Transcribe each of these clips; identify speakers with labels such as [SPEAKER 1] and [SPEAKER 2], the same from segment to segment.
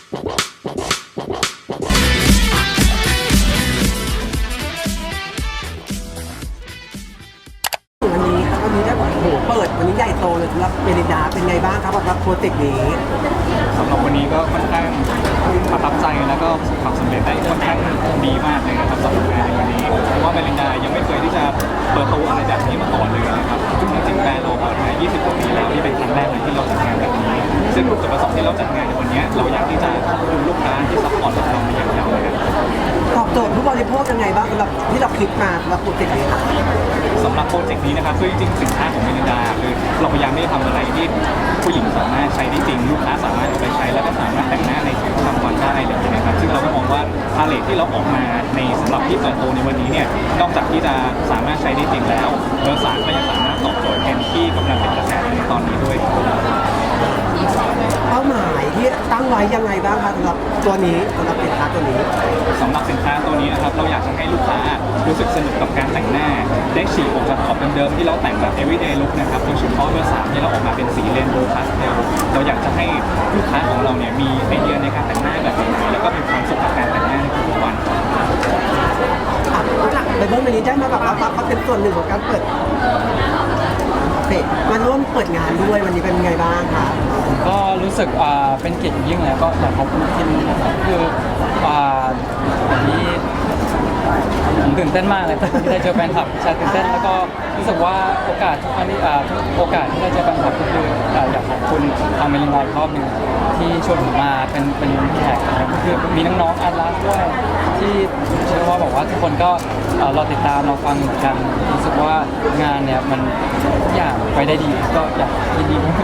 [SPEAKER 1] วันนี้ได้บอกโอ้โหเปิดวันนี้ใหญ่โตเลยสำหรับเมลินดาเป็นไงบ้างครับสำหรับโปรเจกต์นี้
[SPEAKER 2] สำหรับวันนี้ก็ค่อนข้างประทับใจแล้วก็ประสบความสำเร็จได้ค่อนข้างดีมากเลยนะครับสำหรับงานในวันนี้เพราะว่าเมลินดายังไม่เคยที่จะเปิดตัวอะไรแบบนี้มาก่อนเลยนะครับจริงๆแบรนด์เราเปิดมา20 กว่าปีแล้วนี่เป็นครั้งแรกเลยที่เราจัดงานแบบนี้ซึ่งจุดประสงค์ที่เราจัดงานในวันนี้เราอยากที่จะขอบคุณลูกค้าที่ซัพพอร์ตเรามาอย่างยาวนาน
[SPEAKER 1] ตอบโจทย์ผู้บริโภคยังไงบ้างสำหรับที่เราคิดมาสำหรับโปรเจกต์นี้ครับ
[SPEAKER 2] สำหรับโปรเจกต์นี้นะครับคือจริงๆสินค้าของเมลินดาคือเราพยายามไม่ได้ทำอะไรที่ผู้หญิงสามารถใช้ได้จริงลูกค้าสามารถเอาไปใช้แล้วก็สามารถแต่งหน้าในชีวิตประจำวันได้เลยนะครับซึ่งเราก็มองว่าพาเลทที่เราออกมาในสำหรับที่เปิดตัวในวันนี้เนี่ยนอกจากที่จะสามารถใช้ได้จริงแล้วเบอร์3ก็ยังสามารถตอบโจทย์แทนที่กำลังเป็นกระแสในตอนนี้ด้วย
[SPEAKER 1] เป้าหมายที่ตั้งไว้ยังไงบ้างครับสำหรับตัวนี้สำหรับสินค้าตัวนี้
[SPEAKER 2] สำหรับสินค้าตัวนี้นะครับเราอยากจะให้ลูกค้ารู้สึกสนุกกับการแต่งหน้าได้ฉีกออกจากขอบเดิมๆที่เราแต่งแบบ everyday look นะครับโดยเฉพาะเบอร์3ที่เราออกมาเป็นสีเรนโบว์พาสเทลเราอยากจะให้ลูกค้าของเราเนี่ยมีไอเดียในการแต่งหน้าแบบใหม่ๆแล้วก็มีความสุขกับการแต่งหน้าในทุกวัน
[SPEAKER 1] ในเบื้องต้นนี้ได้มาแบบว่าเขาเป็นส่วนหนึ่งของการเปิดมาร่วมเปิดงานด้วยวันนี้เป็นไงบ้างคะ
[SPEAKER 3] ก็รู้สึกเป็นเกียรติยิ่งแล้วก็อยากขอบคุณทีมนะครับคือวันนี้ผมตื่นเต้นมากเลยที่ได้เจอแฟนคลับใช่ตื่นเต้นแล้วก็รู้สึกว่าโอกาสทุกครั้งที่ทุกโอกาสที่ได้เจอแฟนคลับก็คืออยากขอบคุณทางเมลินไลน์รอบหนึ่งที่ชวนผมมาเป็นแขกนะครับก็คือมีน้องๆอาร์ตด้วยที่เชื่อว่าบอกว่าทุกคนก็รอติดตามรอฟังเหมือนกันรู้สึกว่างานเนี่ยมันทุกอย่างไปได้ดีก็อยากยินดีด้วย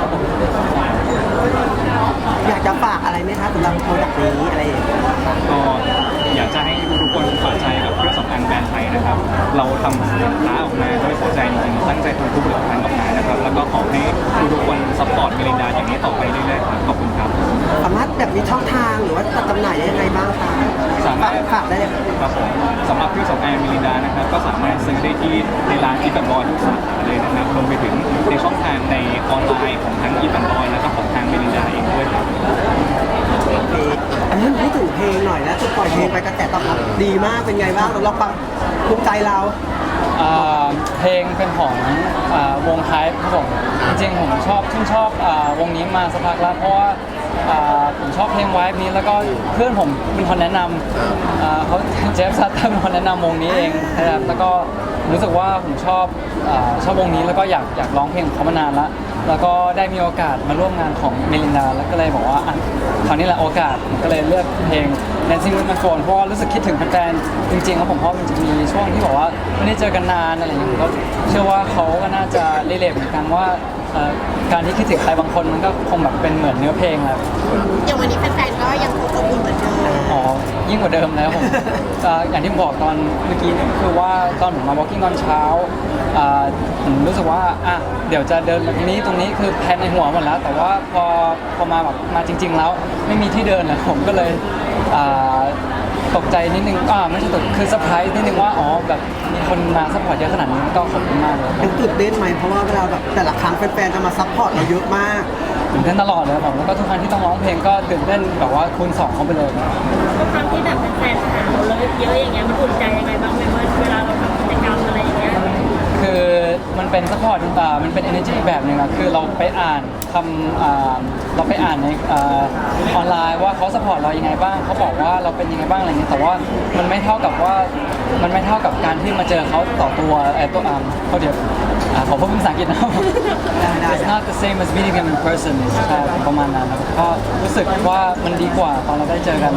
[SPEAKER 1] อยากจะฝากอะไรไหมคะสำหรับโปรเจกต์นี้อะไรอย่างเงี้ย
[SPEAKER 2] ก็อยากจะให้ทุกคนเปิดใจกับเครื่องสำอางแบรนด์ไทยนะครับเราทำสินค้าออกมาด้วยหัวใจจริงๆตั้งใจทำทุกผลิตภัณฑ์ออกมานะครับแล้วก็ขอให้ทุกคนซัพพอร์ตเมลินดาอย่างนี้ต่อไปเรื่อยๆครับขอบคุณครับ
[SPEAKER 1] สามารถแบบมีช่องทางหรือว่าจัดจำหน่ายยังไงบ้างคะ
[SPEAKER 2] สามารถ
[SPEAKER 1] ฝากได้เลย
[SPEAKER 2] ครับผมสำหรับเครื่องสำอางเมลินดานะครับก็สามารถซื้อได้ที่ในร้านอีฟันบอยทุกสาขาเลยนะครับรวมไปถึงในช่องทางในออนไลน์ของทั้งอีฟันบอยแล้วก็ของทางเมลินดาเองด้วยครับ
[SPEAKER 1] อันนี้พูดถึงเพลงหน่อยนะปล่อยเพลงไปกระแสตอบรับดีมากเป็นไงบ้างเราฟังภูมิใจเรา
[SPEAKER 3] เพลงเป็นของวงไทป์ครับผมจริงๆผมชื่นชอบวงนี้มาสักพักแล้วเพราะว่าผมชอบเพลงไวฟ์นี้แล้วก็เพื่อนผมเป็นคนแนะนำเขาเจฟซัตเตอร์เป็นคนแนะนำวงนี้เองนะครับแล้วก็รู้สึกว่าผมชอบวงนี้แล้วก็อยากร้องเพลงของเขามานานแล้วก็ได้มีโอกาสมาร่วมงานของเมลินดาแล้วก็เลยบอกว่าคราวนี้แหละโอกาสก็เลยเลือกเพลง Dancing with my phone เพราะว่ารู้สึกคิดถึงแฟนๆจริงๆแล้วผมเพราะมันจะมีช่วงที่บอกว่าไม่ได้เจอกันนานอะไรอย่างเงี้ยก็เชื่อว่าเขาก็น่าจะรีเลทเหมือนกันว่าการที่คิดถึงใครบางคนมันก็คงแบบเป็นเหมือนเนื้อเพลงแหละ
[SPEAKER 4] อย่างวันนี้แฟนๆก็ยังคงอบอุ่นเหมือนเดิม
[SPEAKER 3] อ๋อยิ่งกว่าเดิมแล้วผมอย่างที่บอกตอนเมื่อกี้คือว่าตอนผมมา walking ตอนเช้าผมรู้สึกว่าเดี๋ยวจะเดินตรงนี้คือแพลนในหัวหมดแล้วแต่ว่าพอมาแบบมาจริงๆแล้วไม่มีที่เดินเลยผมก็เลยตกใจนิดนึงไม่ใช่ตกคือเซอร์ไพรส์นิดนึงว่าแบบมีคนมาซัพพอร์ตเยอะขนาดนี้ก็ขอบคุณมากเลย
[SPEAKER 1] ตื่นเต้นไหมเพราะว่าเวลาแบบแต่ละครั้งแฟนๆจะมาซัพพอร์ตเราเยอะมาก
[SPEAKER 3] ตื่นเต้นตลอดเลยผมแล้วก็ทุกครั้งที่ต้องร้องเพลงก็ตื่นเต้นแบบว่าคูณ2เข้าไปเลย
[SPEAKER 4] ทุกครั้งที่แบบแฟนๆถามเราเยอะอย่างเงี้ยมันอุ่นใจยังไงบ้างไหมว่าเวลาเราทำกิจกรรมอะไรอย่างเงี้ย
[SPEAKER 3] คือมันเป็นซัพพอร์ตมันเป็น energy แบบหนึ่งอะคือเราไปอ่านเราไปอ่านในออนไลน์ว่าเขาซัพพอร์ตเรายังไงบ้างเขาบอกว่าเราเป็นยังไงบ้างอะไรเงี้ยแต่ว่ามันไม่เท่ากับการที่มาเจอเขาต่อตัวเขาเดี๋ยวขอพูดภาษาอังกฤษนะ It's not the same as meeting them in person ใช่ประมาณนั้นก็รู้สึกว่ามันดีกว่าตอนเราได้เจอกัน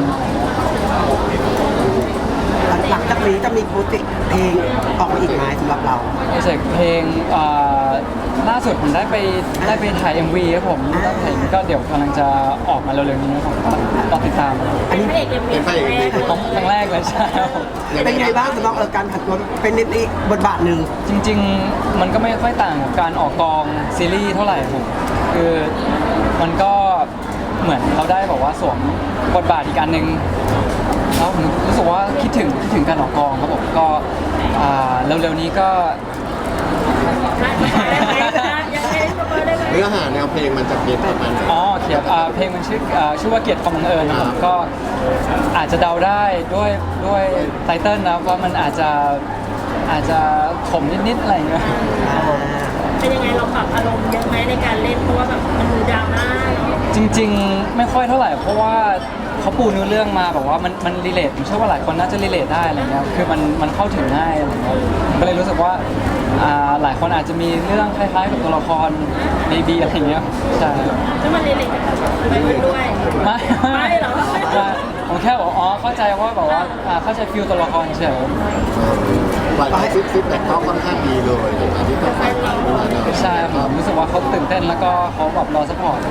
[SPEAKER 1] หลังจากนี้จะมีโปรเจกต์เพลงออกมาอีกไหมสำหรับเรา
[SPEAKER 3] โปรเจกต์เพลงล่าสุดผมได้ไปถ่าย MV ครับผมแล้วถ่ายก็เดี๋ยวกำลังจะออกมาเร็วๆนี้นะครับก็ติดตาม
[SPEAKER 4] อันนี้เป็น
[SPEAKER 3] ครั้งแรกเลยใช่
[SPEAKER 1] เป็นไงบ้างสำหรับการผัดตัวเป็นนิดอีกบทบาทหนึ่ง
[SPEAKER 3] จริงๆมันก็ไม่ค่อยต่างกับการออกกองซีรีส์เท่าไหร่ผมคือมันก็เหมือนเราได้บอกว่าสวมบทบาทอีกอันหนึ่งแล้วผมรู้สึกว่าคิดถึงการออกกองครับผมก็เร็วๆนี้ก็
[SPEAKER 5] เนื้อหาแนวเพลงมันจะเป็นประมาณไหน
[SPEAKER 3] อ๋อเขียนเพลงมันชื่อว่าเกียรติความบังเอิญนะครับก็อาจจะเดาได้ด้วยไตเติ้ลนะว่ามันอาจจะขมนิดๆอะไรอย่างเงี้ย
[SPEAKER 4] เป็นยังไงเราปรับอารมณ์เยอะไหมในการเล่นเพราะว่าแบบมันดูดราม่าเนาะ
[SPEAKER 3] จริงๆไม่ค่อยเท่าไหร่เพราะว่าเขาปูเนื้อเรื่องมาแบบว่ามันรีเลทผมเชื่อว่าหลายคนน่าจะรีเลทได้อะไรเงี้ยคือมันเข้าถึงง่ายอะไรเงี้ยก็เลยรู้สึกว่าหลายคนอาจจะมีเรื่องคล้ายๆกับตัวละครในบีอะไรเงี้ยใช่
[SPEAKER 4] แล้วมันเรียนไปด้วย
[SPEAKER 3] ไม่
[SPEAKER 4] เหรอ
[SPEAKER 3] ไม่ผมแค่บอกอ๋อเข้าใจว่าแบบว่าเข้าใจฟิลตัวละครเฉย
[SPEAKER 5] ปล่อยให้ฟิตแต่ก็ค่อนข้างดีเลยในการที่ต้องการทำด้วยนะ
[SPEAKER 3] ใช่ผมรู้สึกว่าเขาตื่นเต้นแล้วก็เขาแบบรอซัพพอร์ต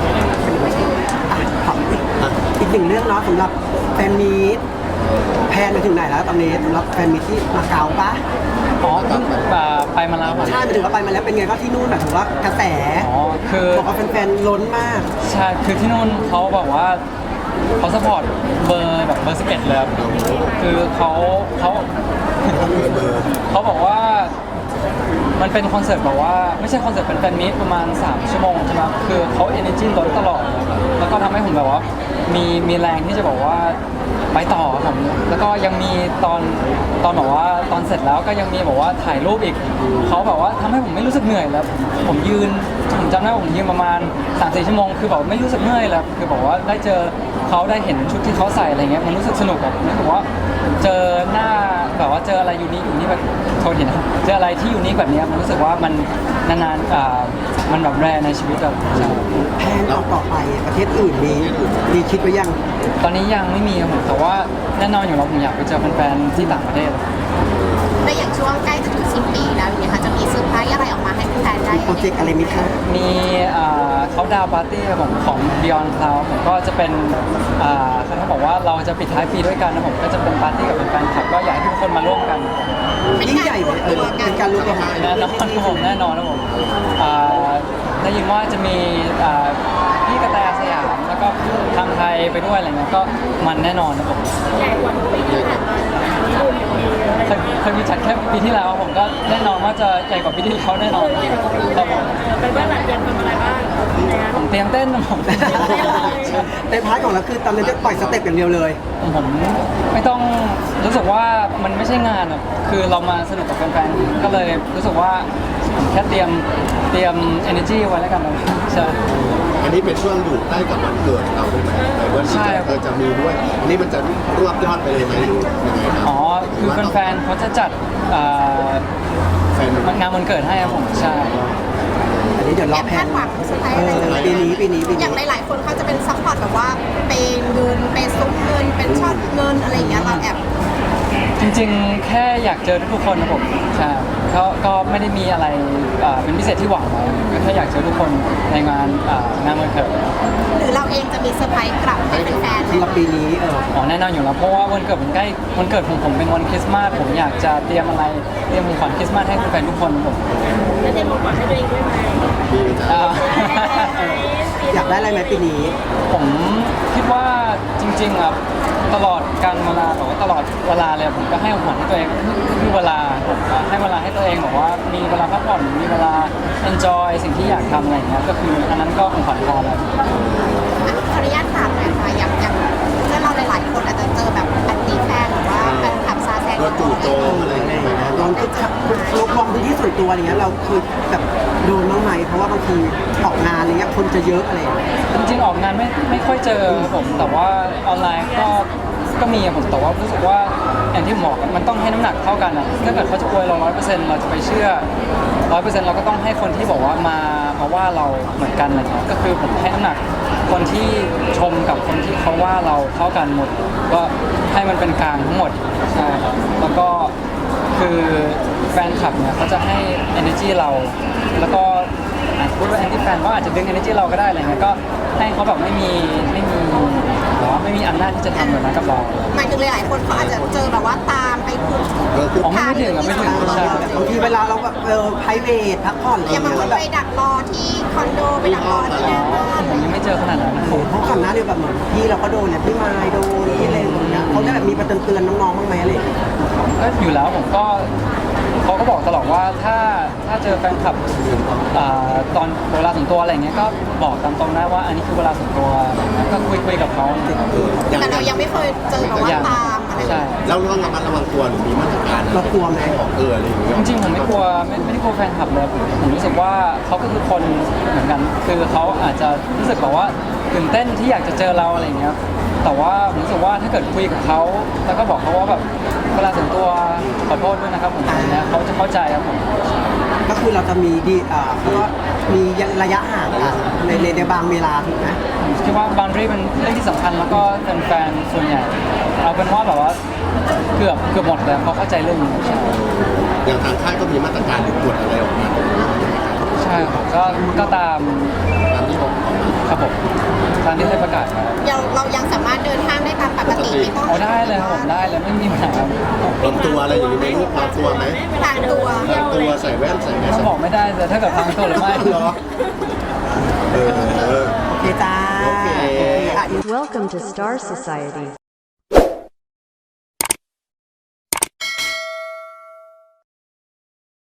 [SPEAKER 1] ถามอีกหนึ่งเรื่องเนาะสำหรับแฟนมีตแพนไปถึงไหนแล้วตอนนี้สำหรับแฟนมีตที่มาเก๊าปะ
[SPEAKER 3] อ๋อเพิ่งไปมาแล้วผม
[SPEAKER 1] ใช่ไปถึงว่าไปมาแล้วเป็นไงก็ที่นู่นแบบถือว่ากระแส
[SPEAKER 3] อ๋อคือ
[SPEAKER 1] บอกว่าแฟนๆล้นมาก
[SPEAKER 3] ใช่คือที่นู่นเขาบอกว่าเขาสปอร์ตเบอร์แบบเบอร์11เลยครับคือเขาบอกว่ามันเป็นคอนเสิร์ตแบบว่าไม่ใช่คอนเสิร์ตเป็นแฟนมีตประมาณ3 ชั่วโมงใช่ไหมคือเขา energy ล้นตลอดแล้วก็ทำให้ผมแบบว่ามีแรงที่จะบอกว่าไปต่อครับผมแล้วก็ยังมีตอนแบบว่าตอนเสร็จแล้วก็ยังมีแบบว่าถ่ายรูปอีกเขาแบบว่าทำให้ผมไม่รู้สึกเหนื่อยแล้วผมจำได้ว่าผมยืนประมาณ 3-4 ชั่วโมงคือแบบไม่รู้สึกเหนื่อยแล้วคือบอกว่าได้เจอเขาได้เห็นชุดที่เขาใส่อะไรเงี้ยมันรู้สึกสนุกแบบรู้สึกว่าเจอหน้าแบบว่าเจออะไรยูนิคแบบโทษทีนะเจออะไรที่ยูนิคแบบเนี้ยมันรู้สึกว่ามันนานๆมันแบบแรในชีวิตแบบใช่
[SPEAKER 1] แพนต่อไปประเทศอื่นมีคิดไว้ยัง
[SPEAKER 3] ตอนนี้ยังไม่มีครับผมแต่ว่าแน่นอนอยู่แล้วผมอยากไปเจอแฟนๆที่ต่างประเทศ
[SPEAKER 6] ในอย่างช่วงใกล้จะถึงสิ้นปีแล้วอย่างเงี้ยค่ะจะมีเซอร์ไพรส์อะไรออกมาให้แฟนๆได้
[SPEAKER 1] โปรเจกต์อะไรมิคะ
[SPEAKER 3] มีเขาดาวปาร์ตี้ครับผมของ Beyond Cloud ผมก็จะเป็นเขาบอกว่าเราจะปิดท้ายปีด้วยกันนะผมก็จะเป็นปาร์ตี้กับแฟนคลับก็อยากให้ทุกคนมาร่วมกัน
[SPEAKER 1] ยิ่งใหญ่ไหมเป็นการรวมตัวกัน
[SPEAKER 3] แน่นอนครับผมแน่นอนครับผมได้ยินว่าจะมีพี่กระแตสยามแล้วก็ทางไทยไปด้วยอะไรเงี้ยก็มันแน่นอนครับผม
[SPEAKER 4] ใหญ่กว่าปีที่ผ่านมา
[SPEAKER 3] เคยมีจัดแค่ปีที่แล้วผมก็แน่นอนว่าจะใหญ่กว่าปีที่แล้วแน่นอนครับผม
[SPEAKER 4] เป็นว่าหลังเตรียมทำอะไรบ้างนะ
[SPEAKER 3] ผมเตรียมเต้นนะผม
[SPEAKER 1] ในพาร์ทของเราคือตอนนี้จะปล่อยสเต็ปอย่างเดียวเลย
[SPEAKER 3] ผมไม่ต้องรู้สึกว่ามันไม่ใช่งานอะคือเรามาสนุกกับแฟนๆก็เลยรู้สึกว่าผมแค่เตรียม energy ไว้แล้วกันนะใช่
[SPEAKER 5] อันนี้เป็นช่วงอยู่ใกล้กับวันเกิดเราด้วยไหมในวันที่จะมีด้วยอันนี้มันจะรวบยอดไปเลยไหมหรือยังไงครับ
[SPEAKER 3] อ๋อคือแฟนๆเขาจะจัด
[SPEAKER 5] แฟน
[SPEAKER 3] งานวันเกิดให้ครับผมใช่
[SPEAKER 1] อันนี้เดี๋ยวร
[SPEAKER 6] แอ
[SPEAKER 1] อบ แพ
[SPEAKER 6] คาน ดหวังเซอร์ไพรส์อะไรอย่าง
[SPEAKER 1] ปี
[SPEAKER 6] เงี้ย
[SPEAKER 1] นี้ปีนี้
[SPEAKER 6] อย่างหลายๆคนเขาจะเป็นซัพพอร์ตแบบว่าเป็นเงินเป็นซุ้มเงินเป็นช็อตเงินอะไรอย่างเงี้ยเราแอบ
[SPEAKER 3] จริงๆ แค่อยากเจอทุกคนนะผมใช่ก็ไม่ได้มีอะไรเป็นพิเศษที่หวังไว้ก็แค่อยากเจอทุกคนในงานวันเกิด
[SPEAKER 6] หรือเราเองจะมีเซอร์ไพรส์กลับให้แฟนๆไหม
[SPEAKER 1] สำหรับปีนี้
[SPEAKER 3] อ๋อแน่นอนอยู่แล้วเพราะว่าวันเกิดมันใกล้วันเกิดของผมเป็นวันคริสต์มาสผมอยากจะเตรียมของขวัญคริสต์มาสให้แฟนๆทุกคนผม
[SPEAKER 4] แล้วเตรียมของขวัญให้ตัวเองด้วยไหม
[SPEAKER 5] มีจ้ะ
[SPEAKER 3] อ่า
[SPEAKER 1] อยากได้อะไรไหมปีนี้
[SPEAKER 3] ผมคิดว่าจริงๆครับตลอดการเวลาบอกว่าตลอดเวลาเลยผมก็ให้ของขวัญให้ตัวเองคือเวลาผมให้เวลาให้ตัวเองบอกว่ามีเวลาพักผ่อนมีเวลา enjoy สิ่งที่อยากทำอะไรอย่างเงี้ยก็คืออันนั้นก็ของขวัญพอแล้ว
[SPEAKER 6] ขออนุญาตถามหน่อยค่ะอย่างเพื่อนเราหลายๆคนอาจจะเจอแบบแอนตี้แฟนหรือว่าแฟนคลับซาแซง
[SPEAKER 5] โดนจู่โจมอะไรอย่างเงี้ยไหม
[SPEAKER 1] ลองลบมองพื้นที่ส่วนตัวอะไรเงี้ยเราเคยแบบโดนบ้างไหมเพราะว่าบางทีออกงานอะไรเงี้ยคนจะเยอะอะไรอย่างเงี้ย
[SPEAKER 3] จริงๆออกงานไม่ค่อยเจอผมแต่ว่าออนไลน์ก็มีอะผมแต่ว่ารู้สึกว่าอย่างที่ผมบอกมันต้องให้น้ำหนักเท่ากันอะถ้าเกิดเขาจะอวยเรา100%เราจะไปเชื่อ100%เราก็ต้องให้คนที่บอกว่ามาว่าเราเหมือนกันอะไรเงี้ยก็คือผมให้น้ำหนักคนที่ชมกับคนที่เขาว่าเราเท่ากันหมด ก็ให้มันเป็นกลางทั้งหมดใช่ครับแล้วก็คือแฟนคลับเนี่ยเขาจะให้ energy เราแล้วก็พูดว่า anti fan ก็อาจจะดึง energy เราก็ได้อะไรเงี้ยก็ให้เขาแบบไม่มีหรอไม่มีอำนาจที่จะทำแบบนั้นกับเรา
[SPEAKER 6] หมายถึงหลายๆคนเขาอาจจะเจอแบบว่าตามไปคุก
[SPEAKER 3] อ๋อไม่ถึงอะไม่ถึงใช่
[SPEAKER 1] บางทีเวลาเราแบบไพรเวทพักผ่อนอะไร
[SPEAKER 6] อย่า
[SPEAKER 1] เงี้
[SPEAKER 6] มาย คน
[SPEAKER 1] แล้วแบบ
[SPEAKER 6] ไปดักรอที่คอนโดไปดักรอที่หน้าบ้าน
[SPEAKER 3] ผมยังไม่เจอขนาดนั้นนะ
[SPEAKER 1] เพราะก่อนหน้าเนี่ยแบบเหมือนพี่เราก็โดนเนี่ยพี่มายโดนที่อะไรอย่างเงี้ยเขาได้แบบมีประเตือนน้องๆบ้างไหมอะไรอย่างเงี้ย
[SPEAKER 3] ก็อยู่แล้วผมก็เขาก็บอกตลอดว่าถ้าเจอแฟนคลับตอนเวลาส่วนตัวอะไรเงี้ยก็บอกตามตรงได้ว่าอันนี้คือเวลาส่วนตัวก็คุยกับเขา
[SPEAKER 6] แต่เรายังไม่เคยเจอแบบว่าตามอะไร
[SPEAKER 3] ใช่
[SPEAKER 5] แล้วเราระมัดระวังตัวหรือมีมาตรการ
[SPEAKER 1] เรากลัวไหม
[SPEAKER 5] ของอะไรอย่างเงี้ย
[SPEAKER 3] จริงๆผมไม่กลัวไม่ได้กลัวแฟนคลับเลยผมรู้สึกว่าเขาก็คือคนเหมือนกัน คือเขาอาจจะรู้สึกแบบว่าตื่นเต้นที่อยากจะเจอเราอะไรเงี้ยแต่ว่าผมรู้สึกว่าถ้าเกิดคุยกับเขาแล้วก็บอกเขาว่าแบบเวลาส่วนตัวขอโทษด้วยนะครับผมอะไรเงี้ยเขาจะเข้าใจครับผม
[SPEAKER 1] ก็คือเราจะมีเพราะว่ามีระยะห่างกันในบางเวลาถูกไหม
[SPEAKER 3] ผมคิดว่า boundary เป็นเรื่องที่สำคัญแล้วก็แฟนๆส่วนใหญ่เอาเป็นว่าแบบว่าเกือบหมดเลยเขาเข้าใจเรื่องนี้
[SPEAKER 5] อย่างทางค่ายก็มีมาตรการหรือกฎอะไรออกมาตรงนี้
[SPEAKER 3] ใช่ครับก็ตาม
[SPEAKER 5] ตามที่ออกมา
[SPEAKER 3] ครับผมตามที่ได้ประกาศมา
[SPEAKER 6] เรายังสามารถเดินห้างได้ตามปกติไม่ต้อง
[SPEAKER 3] เอาได้เลยครับผมได้เลยไม่มีปัญหาครับ
[SPEAKER 5] ปลอมตัวอะไรอย่างนี้ไหมลูกปลอมตัวไหม
[SPEAKER 6] ทางตัว
[SPEAKER 5] ปลอมตัวใส่แว่นใส่แมส
[SPEAKER 3] ถ้าบอกไม่ได้แต่ถ้าเกิดพังตัวหรือไม่
[SPEAKER 5] เหรอเออ
[SPEAKER 1] โอเคจ้า
[SPEAKER 5] โอเค
[SPEAKER 1] อ่ะ
[SPEAKER 7] Welcome to Star Society.